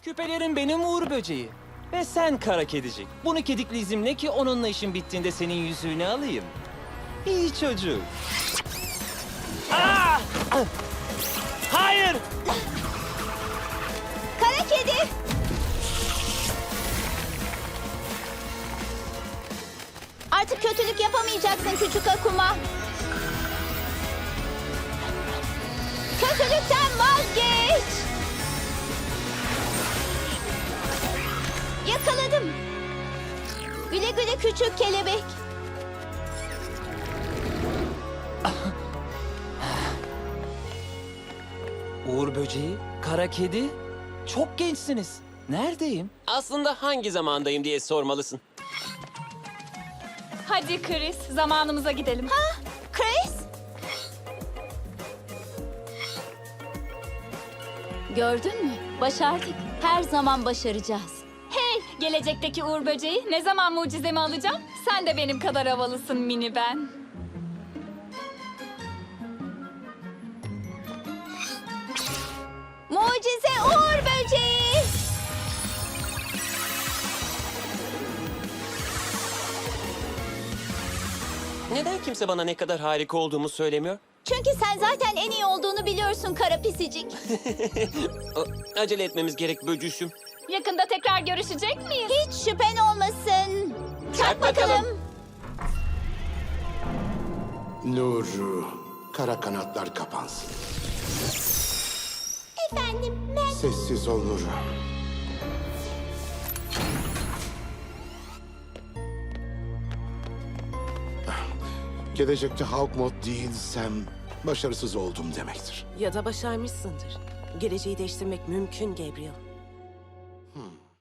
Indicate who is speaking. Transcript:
Speaker 1: Küpelerin benim Uğur Böceği. Ve sen kara kedicik. Bunu kedikli izimle ki onunla işin bittiğinde senin yüzüğünü alayım. İyi çocuk. Aa! Hayır!
Speaker 2: Kara kedi. Artık kötülük yapamayacaksın küçük Akuma. Kötülükten vazgeç. Yakaladım. Güle güle küçük kelebek.
Speaker 1: Uğur Böceği, kara kedi. Çok gençsiniz. Neredeyim?
Speaker 3: Aslında hangi zamandayım diye sormalısın.
Speaker 4: Hadi Chris, zamanımıza gidelim.
Speaker 2: Ha, Chris. Gördün mü? Başardık. Her zaman başaracağız.
Speaker 4: Hey, gelecekteki Uğur Böceği, ne zaman mucizemi alacağım? Sen de benim kadar havalısın mini ben.
Speaker 2: Mucize Uğur Böceği.
Speaker 3: Neden kimse bana ne kadar harika olduğumu söylemiyor?
Speaker 2: Çünkü sen zaten en iyi olduğunu biliyorsun kara pisicik.
Speaker 3: Acele etmemiz gerek böcüşüm.
Speaker 4: Yakında tekrar görüşecek miyiz?
Speaker 2: Hiç şüphen olmasın.
Speaker 3: Çak bakalım.
Speaker 5: Nuru, kara kanatlar kapansın.
Speaker 2: Efendim ben...
Speaker 5: Sessiz ol Nuru. Gelecekte Hawk Mod değilsem başarısız oldum demektir.
Speaker 6: Ya da başarmışsındır. Geleceği değiştirmek mümkün Gabriel.